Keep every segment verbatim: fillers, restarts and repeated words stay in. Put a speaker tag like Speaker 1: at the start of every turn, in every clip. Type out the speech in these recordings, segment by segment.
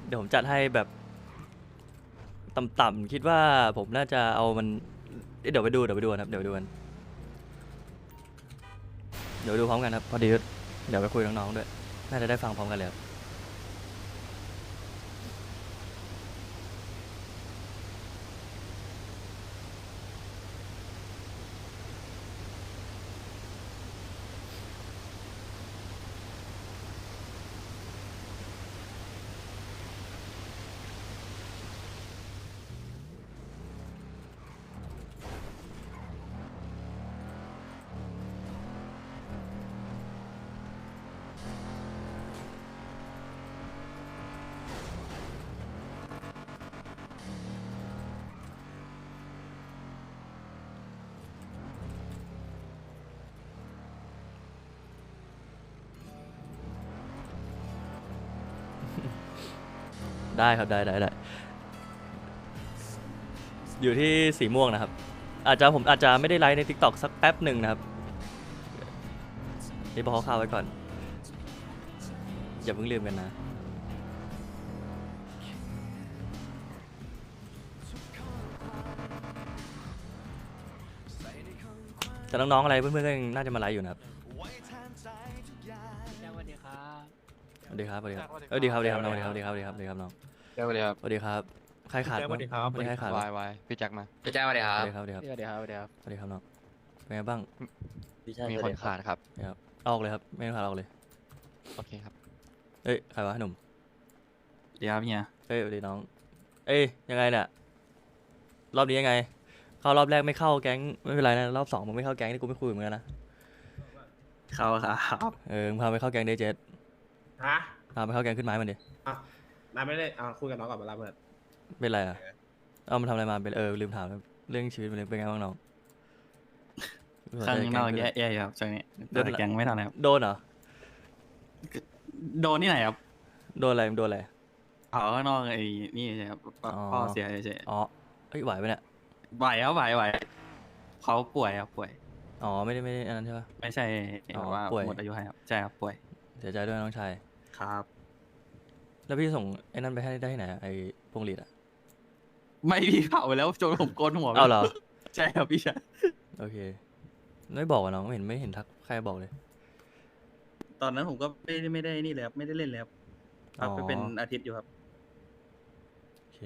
Speaker 1: เดี๋ยวผมจัดให้แบบต่ำๆคิดว่าผมน่าจะเอามันเดี๋ยวไปดูเดี๋ยวไปดูครับเดี๋ยวไปดูกันเดี๋ยวไปดูพร้อมกันครับพอดีเดี๋ยวไปคุยกับน้องๆด้วยน่าจะได้ฟังพร้อมกันเลยครับได้ครับได้ได้ได้อยู่ที่สีม่วงนะครับอาจจะผมอาจจะไม่ได้ไลฟ์ใน ทิกต็อก สักแป๊บหนึ่งนะครับนี่บอกข่าวไว้ก่อนอย่าเพิ่งลืมกันนะแต่น้องๆอะไรเพื่อนๆก็ยังน่าจะมาไลฟ์อยู่นะครับ
Speaker 2: สวัสดีครับ
Speaker 1: สวัสดีครับสวัสดีครับสวัสดีครับสวัสดีครับน้องสวัสดีครับสวัสดีครับสวัสดีครับน้อง
Speaker 3: สวัสดีครับ
Speaker 1: สวัสดีครับใครขาด
Speaker 4: สวัสดีครับ
Speaker 1: ไม่ใครขาด
Speaker 3: วายวายพี่แจ็คมา
Speaker 5: พี่แจ้งสวัสดีค
Speaker 1: ส
Speaker 5: รั
Speaker 1: วั
Speaker 5: บ
Speaker 1: สดีครับสวัสดีครับ
Speaker 2: สวัสดีครับสวัสดีครับ
Speaker 1: สวัสดีครับน้องเป็นไงบ้าง
Speaker 3: มีคนขาดครับ
Speaker 1: ครับเอาออกเลยครับไม่ต้องขาดเอาออกเลย
Speaker 3: โอเคครับ
Speaker 1: เอ้ยใครวะหนุ่ม
Speaker 4: เดี๋ยวครับเฮีย
Speaker 1: เอ้ยสวัสดีน้องเอ้ยยังไงเนี่ยรอบนี้ยังไงเข้ารอบแรกไม่เข้าแก๊งไม่เป็นไรนะรอบสองมึงไม่เข้าแก๊งนี่กูไม่คุยเหมือนกันนะ
Speaker 4: เข้าครับ
Speaker 1: เออมึงพาไปเข้าแก๊งเดย์เจ็ด
Speaker 6: ฮะ
Speaker 1: พาไปเข้าแก๊งขึ้นไม้มันดิ
Speaker 6: นายไม่ได้อ่าคุยกับน้องก่อนมาแล้วเพื่อน
Speaker 1: เป็นไรอ่ะเอามันทำอะไรมาเป็นเออลืมถามเรื่องชีวิตมันเป็นไงบ้างน้อง
Speaker 4: ข้างนอกแย่ๆอยู่ครับช่วงนี้แต่แกงไม่ทันครับ
Speaker 1: โดนเหรอ
Speaker 4: โดนที่ไหนครับ
Speaker 1: โดนอะไรมึงโดนอะไร
Speaker 4: เอาข้างนอกไอ้นี่ใช่ครับ
Speaker 1: อ๋อ
Speaker 4: พ่อเสียเฉย
Speaker 1: อ๋อเอ้ยไหวปะเนี่ย
Speaker 4: ๆไหวครับไหวไหวเขาป่วยครับป่วย
Speaker 1: อ๋อไม่ได้ไม่ได้อันนั้นใช่ปะ
Speaker 4: ไม่ใช่
Speaker 1: อ๋อ
Speaker 4: แบบว่า
Speaker 1: ป่วย
Speaker 4: หมดอายุให้ครับใช่ครับป่วย
Speaker 1: เสียใจด้วยน้องชาย
Speaker 4: ครับ
Speaker 1: แล้วพี่ส่งไอ้นั่นไปให้ได้ที่ไหนอะไอ้พวงหลีดอะ
Speaker 4: ไม่พี่เผาไปแล้วจนผมโกนหัวไป
Speaker 1: เอาเหรอ
Speaker 4: ใช่ครับพี่ชาย
Speaker 1: โอเคไม่บอกอะน้องไม่เห็นไม่เห็นทักใครบอกเลย
Speaker 4: ตอนนั้นผมก็ไม่ได้ไม่ได้นี่เลยครับไม่ได้เล่นเลยครับพักไป
Speaker 1: อ๋อ
Speaker 4: เป็นอาทิตย์อยู่ครับ
Speaker 1: โอเค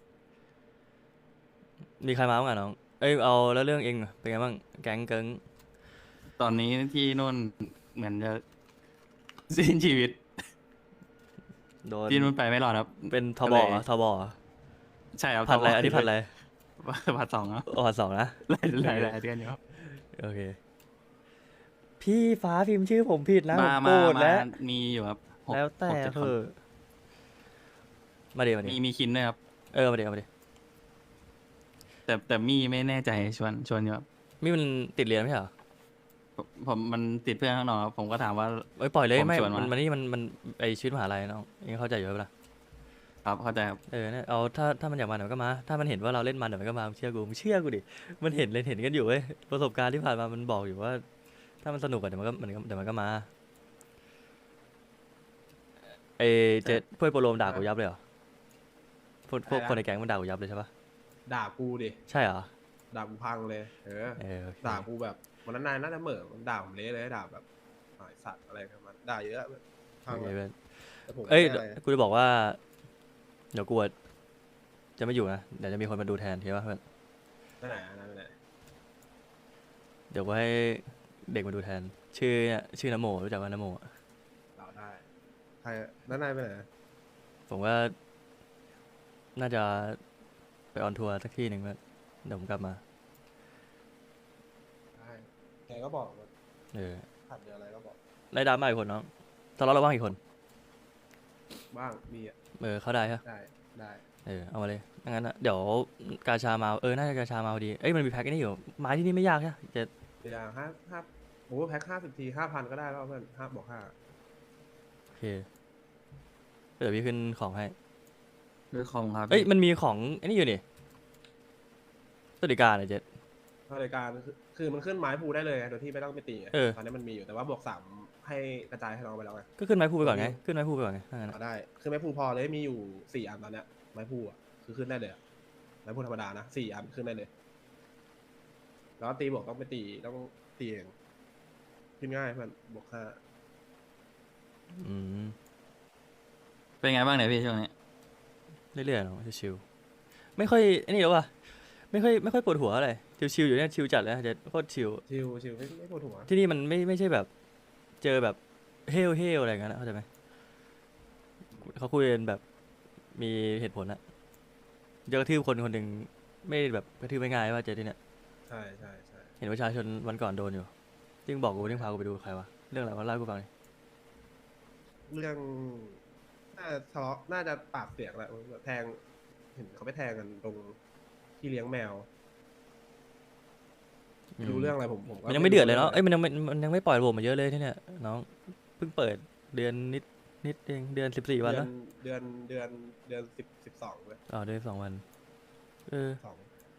Speaker 1: มีใครมาบ้างอะน้องเอ้ยเอาแล้วเรื่องเองอะเป็นไงบ้างแก๊งเกิง
Speaker 4: ตอนนี้ที่นู่นเหมือนจะสิ้นชีวิต
Speaker 1: โดน
Speaker 4: ที่นู่นไปไม่รอดครับ
Speaker 1: เป็นท
Speaker 4: ก็
Speaker 1: บ
Speaker 4: เลย
Speaker 1: อะทบอะ
Speaker 4: ใช่ครับ
Speaker 1: ผัดอะไร
Speaker 4: ทบ
Speaker 1: อันนี้ผัดอะไร
Speaker 4: ผัดสองครับ
Speaker 1: อ๋อผัดสองนะ
Speaker 4: หลายหลายหลายเดือนอยู่ครับ
Speaker 1: โอเคพี่ฟ้าพิมพ์ชื่อผมผิดนะผ
Speaker 4: มาม
Speaker 1: โกร
Speaker 4: มา
Speaker 1: ธ
Speaker 4: มา
Speaker 1: แล้ว
Speaker 4: มีอยู่ครับหก
Speaker 1: แล้วแต่
Speaker 4: หกจ็ด
Speaker 1: เธ
Speaker 4: คน
Speaker 1: อะมาเดี๋ยวมา
Speaker 4: มี
Speaker 1: เดี๋ยว
Speaker 4: มีคินด้วยครับ
Speaker 1: เออมาเดี๋ยวมาเดี๋ยว
Speaker 4: แต่แต่มีไม่แน่ใจชวนชวนอยู่ครับ
Speaker 1: มีมันติดเรียนไม่ใช่เหรอ
Speaker 4: ผมผมมันติดเพื่อนข้างนอกครับผมก็ถามว่า
Speaker 1: เอ้ยปล่อยเลย
Speaker 4: ผม
Speaker 1: ไม่
Speaker 4: ชวน
Speaker 1: มัน
Speaker 4: มามั
Speaker 1: มันนี่มันมันไอชีวิตมหาลัยน้องเองเข้าใจอยู่ปะล่ะ
Speaker 4: ครับเข้าใจครับ
Speaker 1: เออเนี่ยเอาถ้าถ้ามันอยากมาเดี๋ยวมันก็มา ถ้ามันเห็นว่าเราเล่นมันเดี๋ยวมันก็มาเชื่อกูมึงเชื่อกูดิมันเห็นเลยเห็นกันอยู่เว้ยประสบการณ์ที่ผ่านมามันบอกอยู่ว่า ถ้ามันสนุกอะเดี๋ยวมันก็มันก็เดี๋ยวมันก็มาเอเจ็ดพวกโปรโลมด่ากูยับเลยเหรอพวกพวกคนในแก๊งมันด่ากูยับเลยใช่ปะ
Speaker 6: ด่ากูดิ
Speaker 1: ใช่เหรอ
Speaker 6: ด่ากูพังเลย เออ
Speaker 1: เออโอเค
Speaker 6: ด่ากูแบบวันนั้นนายน่าจะเหม่อมันด่าผมเละเลยด่าแบบหายสัตว์อะไรกันมันด่าเยอะพัง
Speaker 1: โอเค
Speaker 6: เล
Speaker 1: เว้
Speaker 6: ย
Speaker 1: ย
Speaker 6: แต่ผม
Speaker 1: เอ้ย
Speaker 6: ไม่ได้อะไร
Speaker 1: กูจะบอกว่า เดี๋ยวกูอะจะไม่อยู่นะเดี๋ยวจะมีคนมาดูแทนใช่ปะเพื่อน
Speaker 6: ไปไหนอะนายไปไหน
Speaker 1: เดี๋ยวกูให้เด็กมาดูแทน ชื่อเนี่ยชื่อนโมรู้จักว่านโมอะ
Speaker 6: ด่าได้ใครแล้วนายไปไหน
Speaker 1: ผมว่า น่าจะไปออนทัวร์สักที่หนึ่งเพื่อนเดี๋ยวผมกลับมา
Speaker 6: ได้แกก็บอกว่า
Speaker 1: เออ
Speaker 6: ขัดเดืออะไรก็บอก
Speaker 1: ไล่ดราม่าอีกคนน้องทะเลาะเราบ้างอีกคน
Speaker 6: บ้างมีอ่ะ
Speaker 1: เออเข้าได้ฮะ
Speaker 6: ได้ได้
Speaker 1: เออเอามาเลยงั้นนะเดี๋ยวกาชามาเออน่าจะกาชามาพอดีเอ้ยมันมีแพ็กนี่อยู่ไม้ที่นี่ไม่ยากใช่ไหมจะ
Speaker 6: เวลาห้าห้าโอ้แพ็คห้าสิบทีห้าพันก็ได้แล้วเพื่อนห้าบอกห้า
Speaker 1: โอเคเดี๋ยวพี่ขึ้นของให้
Speaker 4: ด้วยคอมครับ
Speaker 1: เอ้ยมันมีของไอ้นี่อยู่นี่สวัสดิการอะเจ็ด
Speaker 6: รายการคือคือมันขึ้นไม้ภูได้เลยไงโดยที่ไม่ต้องไปตีไง
Speaker 1: เออ
Speaker 6: ตอนนี้มันมีอยู่แต่ว่าบวกสามให้กระจายให้น้องไปแล้วไง
Speaker 1: ก็ขึ้นไม้พูไปก่อนไงขึ้นไม้พูไปก่อนไงถ้างั้น
Speaker 6: อ่ะ
Speaker 1: อะ
Speaker 6: ได้คือไม้พูพอเลยมีอยู่สี่อันตอนเนี้ยไม้พูอ่ะคือขึ้นได้เลยอะไม้พูธรรมดานะสี่อันขึ้นได้เลย แล้วตีบวกต้องไปตีต้องตีเองขึ้นง่ายเพื่อนบวกห้า
Speaker 1: อืม
Speaker 4: เป็นไงบ้างเนี่ยพี่ช่วงนี้
Speaker 1: เรื่อยๆเนาะชิวๆไม่ค่อยไอ้นี่หรอวะไม่ค่อยไม่ค่อยปวดหัวอะไรชิวๆอยู่เนี่ยชิวจัดเลยนะเจะโคตรชิว
Speaker 6: ชิวชิวไม่ไม่ปวดหัว
Speaker 1: ที่นี่มันไม่ไม่ใช่แบบ เจอแบบเฮลเฮลอะไรอย่างเงี้ยนะเข้าใจไหมเขาคุยกันแบบมีเหตุผลอะเจอกระทืบคนคนหนึ่งไม่แบบกระทืบไม่ง่ายว่าเจอที่เนี่ย
Speaker 6: ใช่ใช่ใช่
Speaker 1: เห็นประชาชนวันก่อนโดนอยู่ที่มึงบอกกูที่พากูไปดูใครวะเรื่องอะไรวะเล่าให้กูฟังหน่อย
Speaker 6: เรื่องน่าจะทะเลาะน่าจะปากเสียงแหละแบบแทงเห็นเขาไปแทงกันตรงที่เลี้ยงแมวไม่รู้เรื่องอะไรผมผมก็
Speaker 1: มันยังไม่เดือดเลยเนาะเอ้ยมันยังไม่มันยังไม่ปล่อยระบบมาเยอะเลยที่เนี่ยน้องเพิ่งเปิดเดือนนิดนิดเองเดือนสิบสี่วัน
Speaker 6: เดือ
Speaker 1: นะ
Speaker 6: นเดือนเดือนเดือนสิบสิบสองเลย
Speaker 1: อ๋อเดือนสองวันเออ
Speaker 6: สอง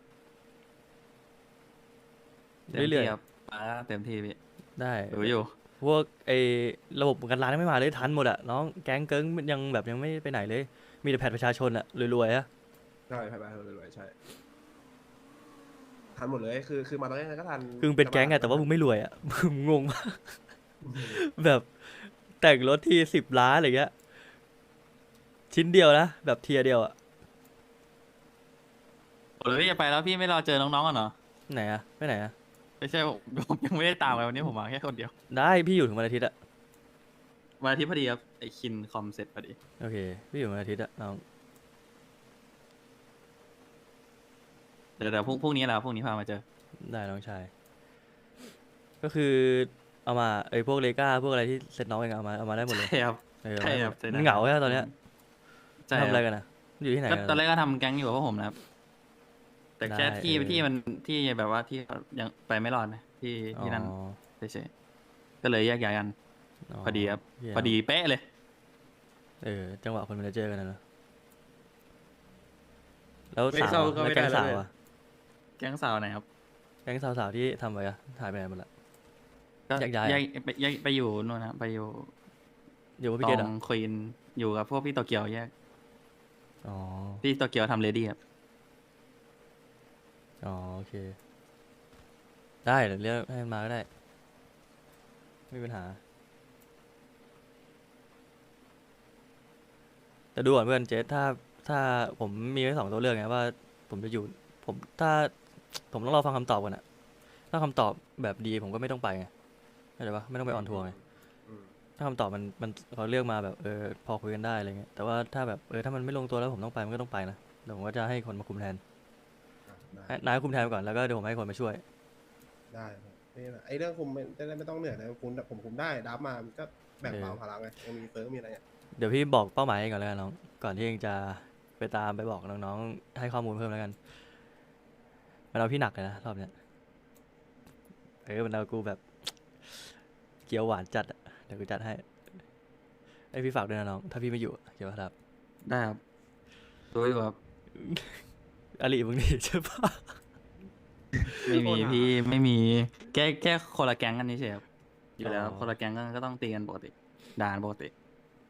Speaker 4: เต็ม
Speaker 1: เรื่อย
Speaker 4: ที่
Speaker 1: ๆ
Speaker 4: ครับมาเต็มที่พี่
Speaker 1: ได้
Speaker 4: รู้อยู่
Speaker 1: พวกไอ้ระบบประกันร้านไม่มาเลยทันหมดอะน้องแก๊งเกิ้งมันยังแบบยังไม่ไปไหนเลย มีแต่แผ่นประชาชนอะรวยๆอะ
Speaker 6: ใช่ไปไปไปไปใช่ทันหมดเลยคือคือมาตอนแรกก็ทัน
Speaker 1: คือมึงเป็นแก๊งไงแต่ว่ามึงไม่รวยอะ มึงงงมากแบบแต่งรถทีสิบล้านอะไรเงี้ยชิ้นเดียวนะแบบเทียร์เดียวอะ
Speaker 4: โอ้ยพี่จะไปแล้วพี่ไม่รอเจอน้องๆกันเหรอ
Speaker 1: ไหนอะไปไหนอะ
Speaker 4: ไม่ใช่ผม ผมยังไม่ได้ตามไปวันนี้ผมมาแค่คนเดียว
Speaker 1: ได้พี่อยู่ถึงวันอาทิตย์อะ
Speaker 4: วันอาทิตย์พอดีครับไอคินคอมเสร็จพอดี
Speaker 1: โอเคพี่อยู่วันอาทิตย์อะน้อง
Speaker 4: เดี๋ยวเดี๋ยวพรุ่งพรุ่งนี้แหละพรุ่งนี้พามาเจอ
Speaker 1: ได้น้องชาย ก็คือเอามาไอ้พวกเลก้าพวกอะไรที่เซ็ตน้องเองเอามาเอามาได้หมดเลย
Speaker 4: ใช่ครับ
Speaker 1: เออ
Speaker 4: ใช่ครับ
Speaker 1: เอามาได้หมดมันเหงาใช่ไหมตอนเนี้ย
Speaker 4: ใช่
Speaker 1: ทำอะไร
Speaker 4: ค
Speaker 1: กันนะอยู่ที่ไหน
Speaker 4: ก็
Speaker 1: กัน
Speaker 4: ตอนแร
Speaker 1: อะ
Speaker 4: กก็ทำแก๊งอยู่กับพวกผมนะครับ แต่แค่
Speaker 1: ได้
Speaker 4: ที่
Speaker 1: เออ
Speaker 4: ที่มันที่แบบว่าที่ยังไปไม่รอดนะที่ที่นั่น
Speaker 1: อ๋อ
Speaker 4: เฉยๆก็เลยแยกย้ายกัน พอดีครับ
Speaker 1: เยี่ยม
Speaker 4: พอดีเป๊ะเลย
Speaker 1: เออจังหวะคนมันจะเจอกันนะเนอะแล้ว
Speaker 6: ไม่
Speaker 1: สาว
Speaker 6: เข้า
Speaker 1: อะ
Speaker 6: ก็
Speaker 1: แล้ว
Speaker 6: ไม่
Speaker 1: แก๊
Speaker 6: ได้
Speaker 1: ง
Speaker 6: แล้ว
Speaker 1: สาว
Speaker 6: เลย
Speaker 1: อะ
Speaker 4: แก๊งสาวไหนครับ
Speaker 1: แก๊งสาวๆที่ทำไว้อะหายไปไหนหมดละ
Speaker 4: ก็
Speaker 1: แยกย้าย
Speaker 4: แย
Speaker 1: อะ
Speaker 4: กไปแยกไปอยู่นู่นนะไปอยู่
Speaker 1: อยู่กับ
Speaker 4: ต
Speaker 1: พี่
Speaker 4: อ
Speaker 1: เกดเหรอง
Speaker 4: ควีนอยู่กับพวกพี่โตเกียวแยก
Speaker 1: อ๋อ
Speaker 4: พี่โตเกียวทำเลดี้ครับ
Speaker 1: อ๋อโอเค ได้เดี๋ยวเรียกให้มันมาก็ได้ไม่มีปัญหา แต่ดูก่อนเพื่อนเจสถ้าถ้าผมมีไว้สองตัวเลือกไงว่า ผมจะอยู่ผมถ้า ผมต้องรอฟังคำตอบก่อนอะถ้าคำตอบแบบดีผมก็ไม่ต้องไปไงเข้าใจปะไม่ต้องไปออนทัวร์ไง
Speaker 6: อืม
Speaker 1: ถ้าคำตอบมันมันเขาเลือกมาแบบเออพอคุยกันได้อะไรเงี้ยแต่ว่าถ้าแบบเออถ้ามันไม่ลงตัวแล้วผมต้องไปมันก็ต้องไปนะเดี๋ยวผมก็จะให้คนมาคุมแทน
Speaker 6: อ่ะได้
Speaker 1: ให้นายคุมแทนไปก่อนแล้วก็เดี๋ยวผมให้คนมาช่วย
Speaker 6: ได้ครับนี่แหละไอ้เรื่องคุมไม่ได้ไม่ต้องเหนื่อยนะคุณผมคุมได้ดับมามันก็แบ่งเบา
Speaker 1: เออ
Speaker 6: ภาระไงยังมีเฟิร์มมีอะไรอ่ะ
Speaker 1: เดี๋ยวพี่บอกเป้าหมายให้ก่อนแล้วกันน้องก่อนที่เองจะไปตามไปบอกน้องๆให้ข้อมูลเพิ่มแล้วกันมันเอาพี่หนักเลยนะรอบเนี้ยเออมันเอากูแบบ เกี๊ยวหวานจัดอะเดี๋ยวกูจัดให้ไอยพี่ฝากด้วยนะน้องถ้าพี่ไม่อยู่อะเกี๊ยวครับ
Speaker 4: ได้ครับรู้อยู่ครับ
Speaker 1: อลิมึงนี่ใช่ปะ
Speaker 4: ไม่มีพี่ไม่มีแค่แค่คนละแก๊งกันนี่เฉยครับอยู่แล้ว
Speaker 1: อ๋อ
Speaker 4: คนละแก๊งก็ก็ต้องตีกันปกติด่ากันปกติ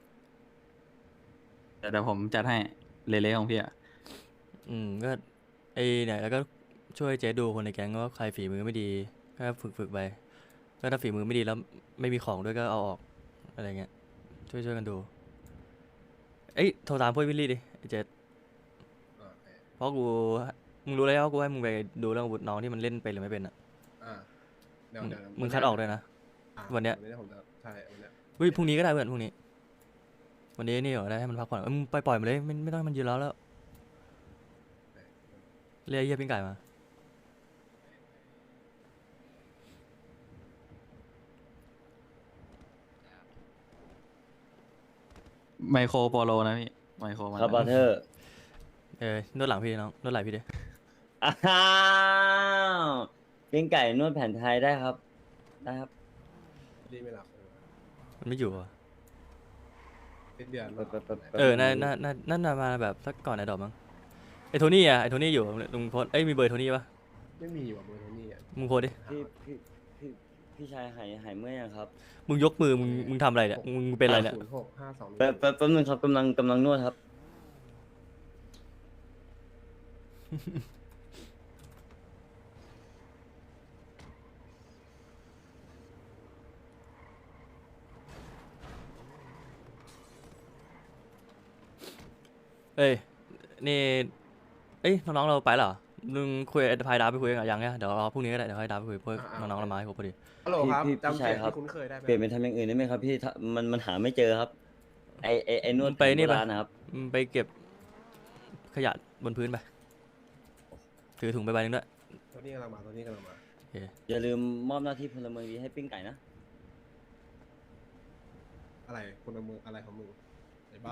Speaker 4: แต่เดี๋ยวผมจัดให้เละๆของพี่อะ
Speaker 1: อืมก็ไอเนี่ยแล้วก็ช่วยเจ๊ดูคนในแก๊งว่าใครฝีมือไม่ดีก็ฝึกฝึกไปก็ถ้าฝีมือไม่ดีแล้วไม่มีของด้วยก็เอาออกอะไรเงี้ยช่วยช่วยกันดูเอ้ยโทรตามพวกวิลลี่ดิไอเจ๊
Speaker 6: อ่าโอเค
Speaker 1: เพราะกูมึงรู้แล้วว่ากูให้มึงไปดูเรื่องอาวุธน้องที่มันเล่นเป็นหรือไม่เป็นอ่ะ
Speaker 6: อ่าเดี๋ยว
Speaker 1: มึง
Speaker 6: เดี๋ยว
Speaker 1: มึงคัดออกด้วยนะ
Speaker 6: อ่ะ
Speaker 1: วันเนี้ย
Speaker 6: วันนี้ผมจะใช่วันเนี้ย
Speaker 1: เฮ้ยพรุ่งนี้ก็ได้เพื่อนพรุ่งนี้ วันนี้นี่เหรอได้ให้มันพักผ่อนเอ้ยมึงไปปล่อยมันเลยไม่ไม่ต้องให้มันยืนแล้วแล้วเรียกไอ้เหี้ยปิ้งไก่มา
Speaker 4: ไมโครโปโลนะพี่ไมโครมา
Speaker 2: ครับบอเทอร์
Speaker 1: เออนวดหลังพี่น้องนวดไหล่พี่ดิ
Speaker 2: อ้าวปิ้งไก่นวดแผนไทยได้ครับ ได้ครับ
Speaker 6: รีบไม่หลับ
Speaker 1: มันไม่อยู่อ่ะ
Speaker 6: สิ้นเดือน
Speaker 2: แป๊บแป๊บแป๊บแป๊บ
Speaker 1: เออน่าน่าน่าน่าจะมาแบบสักก่อนไอ้ดอกมั้งไอ้โทนี่อ่ะไอ้โทนี่อยู่ลุงโพสเอ้ยมีเบอร์โทนี่ปะ
Speaker 6: ไม่มีว่ะเบอร์โทนี่อ่ะ
Speaker 1: มึงโพสดิ
Speaker 2: พี่พี่พี่พี่ชายหายหายเมื่อยยังครับ
Speaker 1: มึงยกมือมึงมึงทำอะไรเนี่ยมึงเป็นอะไรเนี่ย
Speaker 6: ศูนย์หกห้าสอง
Speaker 2: แป๊บแป๊บแป๊บนึงครับกำลังกำลังนวดครับ
Speaker 1: เอ้ยนี่เอ้ยน้องๆเราไปเหรอมึงคุยไอ้พายดาวไปคุยกันยังเนี่ยเดี๋ยวรอพรุ่งนี้ก็ได้เดี๋ยวให้ดาวไปคุยเพื่อน้องๆเรามาให้ครบพอดี
Speaker 6: ฮัลโหลครับ
Speaker 2: พี่พี่
Speaker 6: จำ
Speaker 2: พี่
Speaker 6: เสี
Speaker 2: ชาย
Speaker 6: ยง
Speaker 2: ครับ
Speaker 6: ที่คุ้นเคยได้ไหม
Speaker 2: เปลี่ยนเป็นทำอย่างอื่นได้ไหมครับพี่ถ้ามันมันหาไม่เจอครับ ไอไอไอนวด
Speaker 1: มึงไปนี่
Speaker 2: แผ
Speaker 1: ปะ
Speaker 2: โบราณนะครับ
Speaker 1: มึงไปเก็บขยะบนพื้นไปถือถุงไปใบหนึงด้วย
Speaker 6: ตัวนี้กำลังมาตัวนี้กำลังมา
Speaker 1: โอเค
Speaker 2: อย่าลืมมอบหน้าที่พลเมืองดีให้ปิ้งไก่นะ
Speaker 6: อะไรคนละมืออะไรของมึงไอ้บ้า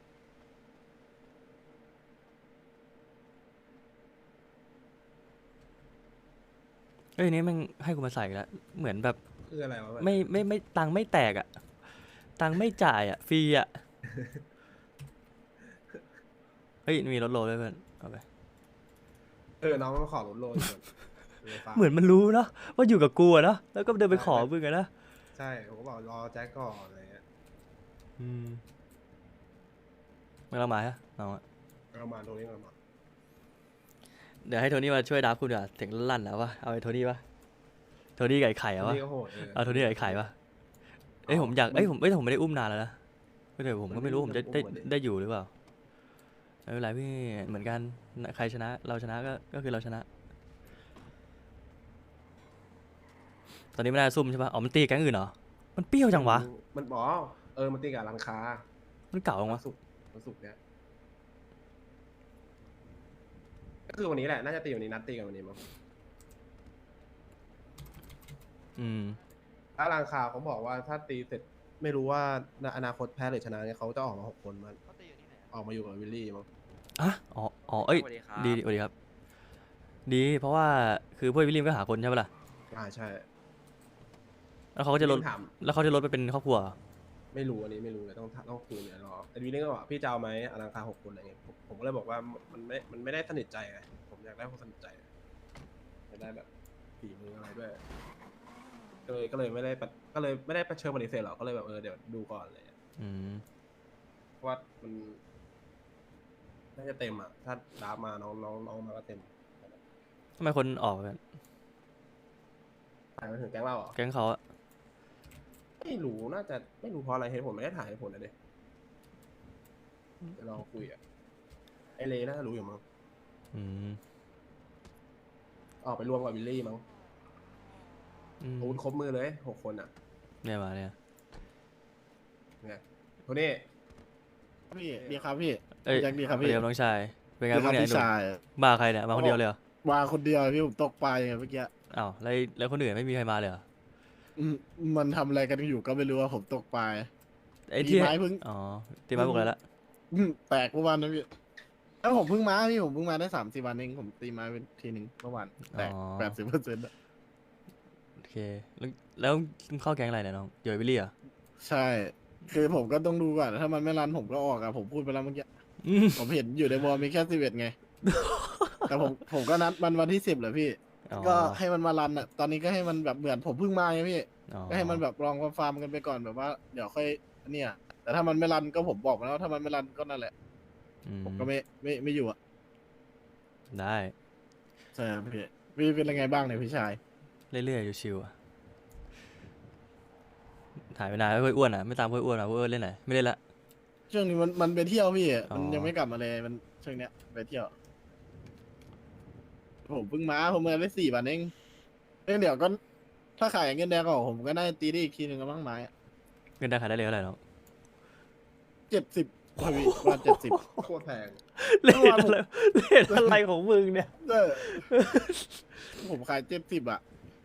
Speaker 1: เอ้ยนี่แม่งให้กูมาใส่อีกแล้วเหมือนแบบ
Speaker 6: คืออะไรวะ
Speaker 1: ไม่ไม่ไม่ตังค์ไม่แตกอะตังค์ไม่จ่ายอะฟรีอะเฮ้ยมีรถโลด้วยเพื่อนเอาไป
Speaker 6: เออน้องมันขอรถโลอยู่ก่อน
Speaker 1: เหมือนมันรู้เนาะว่าอยู่กับกูอะเนาะแล้วก็เดินไปขอมึงอะนะ
Speaker 6: ใช่ผมก็บอกรอแจ็คก่อนอะไรเงี้ย
Speaker 1: อืมไม่ต้องมาฮะน้องอะ
Speaker 6: เรามาตัวนี้กำลังมา
Speaker 1: เดี๋ยวให้โทนี่มาช่วยดับคุณดีกว่าเสียงลั่นๆแล้ววะเอาไอ้โทนี่ปะโทนี่กับไอ้ไข่
Speaker 6: ตั
Speaker 1: อะ
Speaker 6: ว
Speaker 1: วะ
Speaker 6: นี้ก็โหดเออ
Speaker 1: เอาโทนี่กับไอ้ไข่ปะเอ้ยผมอยากเอ้ยผมเอ้ยผมไม่ได้อุ้มนานแล้วนะไม่เดี๋ยวผมก็ไม่รู้ผมจะได้ได้อยู่หรือเปล่าไม่เป็นไรพี่เหมือนกันใครชนะ เราชนะก็ก็คือเราชนะ ตอนนี้ไม่ได้ซุ่มใช่ปะอ๋อมันตีแก๊งอื่นเหรอมันเปรี้ยวจังวะ
Speaker 6: มันบอกเออมันตีกับร้านค้า
Speaker 1: มันเก่าจัง
Speaker 6: วั
Speaker 1: วะ
Speaker 6: นศุกร์วันศุกร์เนี้ยก็คือวันนี้แหละน่าจะตีวันนี้นัดตีกันวันนี้มั้ง
Speaker 1: อืม
Speaker 6: ถ้าร้านค้าเขาบอกว่าถ้าตีเสร็จไม่รู้ว่าในอนาคตแพ้หรือชนะเนี่ยเขาจะออกมาหกคนมันออกมาอยู่กับวิลลี่มั้ง
Speaker 1: อ่ะอ๋ออ๋อเอ้ยดีดีสวัสดีครับ ดีเพราะว่าคือพวกวิลลิมก็หาคนใช่ปะล่ะ
Speaker 6: อ่าใช่
Speaker 1: แล้วเขาก็จะลด
Speaker 6: ถาม
Speaker 1: แล้วเขาจะลดไปเป็นครอบครัวเหรอ
Speaker 6: ไม่รู้อันนี้ไม่รู้เลยต้องต้องคุยเนี่ยรอไอ้วิลลี่ก็บอกพี่จะเอาไหมอลังคาหกคนอะไรเงี้ยผมผมก็เลยบอกว่ามันไม่มันไม่ได้สนิทใจไงผมอยากได้คนสนิทใจอยากได้แบบฝีมืออะไรด้วยก็เลยก็เลยไม่ได้ปะก็เลยไม่ได้เชิญปฏิเสธหรอกก็เลยแบบเออเดี๋ยวดูก่อนอะไรเลย
Speaker 1: อืม
Speaker 6: เพราะว่ามันน่าจะเต็มอ่ะถ้าดราฟมาน้องน้องน้องมาก็เต็ม
Speaker 1: ทำไมคนออกกัน
Speaker 6: ถ่ายมาถึงแก๊งเราเหรอ
Speaker 1: แก๊งเขาอะ
Speaker 6: ไม่รู้น่าจะไม่รู้เพราะอะไรเหตุผลไม่ได้ถ่ายเหตุผลนะเด็เดี๋ยวลองคุยอ่ะไอเลน่าจะรู้อยู่มั้ง
Speaker 1: อืม
Speaker 6: ออกไปรวมกับวิลลี่มั้ง
Speaker 1: อืม
Speaker 6: อาวุธครบมือเลยหกคนอ่ะ
Speaker 1: เนี่ยมาเนี่ย
Speaker 6: เนี่ยโทนี่
Speaker 5: พี่ดีครับพี่
Speaker 1: เอ้ย
Speaker 5: ยังดีครับ
Speaker 1: สวั
Speaker 5: พี่
Speaker 1: สดีครับน้องชายเป็นไง
Speaker 5: ดีค
Speaker 1: บ้า
Speaker 5: รั
Speaker 1: ง
Speaker 5: บ
Speaker 1: เนี่ย
Speaker 5: พี่ชาย
Speaker 1: มาใครเนี่ยมาคนเดียวเลยเหรอ
Speaker 5: มาคนเดียวพี่ผมตกปลาอย่างเมื่อกี้
Speaker 1: อ้าวแล้วแล้วคนอื่นไม่มีใครมาเลยเหรอ
Speaker 5: อืมมันทำอะไรกันอยู่ก็ไม่รู้ว่าผมตกปลา
Speaker 1: ไอ้
Speaker 5: ตี
Speaker 1: ที่
Speaker 5: ไม้เพิ่ง
Speaker 1: อ๋อตีไม้บอกอะไรละ
Speaker 5: อืมแตกเมื่อวานนะพี่แล้วผมเพิ่งมาพี่ผมเพิ่งมาได้สามสี่วันเองผมตีไม้เป็นทีหนึ่งเมื่อวานแตกแปดสิบเปอร์เซ็นต์
Speaker 1: โอเคแล้วแล้วมึงเข้าแก๊งอะไรเนี่ยน้องเดี๋ยววิลลี่เหรอ
Speaker 5: ใช่ คือผมก็ต้องดูก่อนถ้ามันไม่รันผมก็ออกอะผมพูดไปแล้วเมื่อกี้
Speaker 1: อืม
Speaker 5: ผมเห็นอยู่ในวอลมีแค่สิบเอ็ดไง แต่ผมผมก็นัดมันวันที่สิบแหละพี่
Speaker 1: อ๋อ
Speaker 5: ก็ให้มันมารันอะตอนนี้ก็ให้มันแบบเหมือนผมเพิ่งมาไงพี่
Speaker 1: อ๋อ
Speaker 5: ก็ให้มันแบบลองฟาร์มกันไปก่อนแบบว่าเดี๋ยวค่อยเนี่ย แต่ถ้ามันไม่รันก็ผมบอกมาแล้วถ้ามันไม่รันก็นั่นแหละ
Speaker 1: อื
Speaker 5: ผมก็ไม่ไม่ไม่อยู่อ่ะ
Speaker 1: ได้
Speaker 5: ใช่ครับพี่พี่เป็นยังไงบ้างเนี่ยพี่ชาย
Speaker 1: เรื่อยๆอยู่ชิวๆอะถ่ายไปนานแล้วเพื่อนอ้วนอ่ะไม่ตามเพื่อนอ้วนอ่ะเพื่อนอ้วนเล่นไหนไม่เล่นละ
Speaker 5: ช่วงนี้มันมันไปเที่ยวพี่
Speaker 1: อ๋อ
Speaker 5: มันยังไม่กลับมาเลยมันช่วงเนี้ยไปเที่ยว ผมเพิ่งมาผมมาได้สี่วันเองเองเดี๋ยวก็ถ้าขายเงินแดงก็ผมก็ได้ตีได้อีกทีหนึ่งก็บ้างไม้
Speaker 1: เงินได้ขายได้เลยเท่าไหร่น้อง
Speaker 5: เจ็ดสิบพี่วันเจ็ดสิบ
Speaker 6: โคตรแพง
Speaker 1: เล่นอะไรเล่นอะไรของมึงเนี่ย
Speaker 5: เออผมขายเจ็ดสิบอะ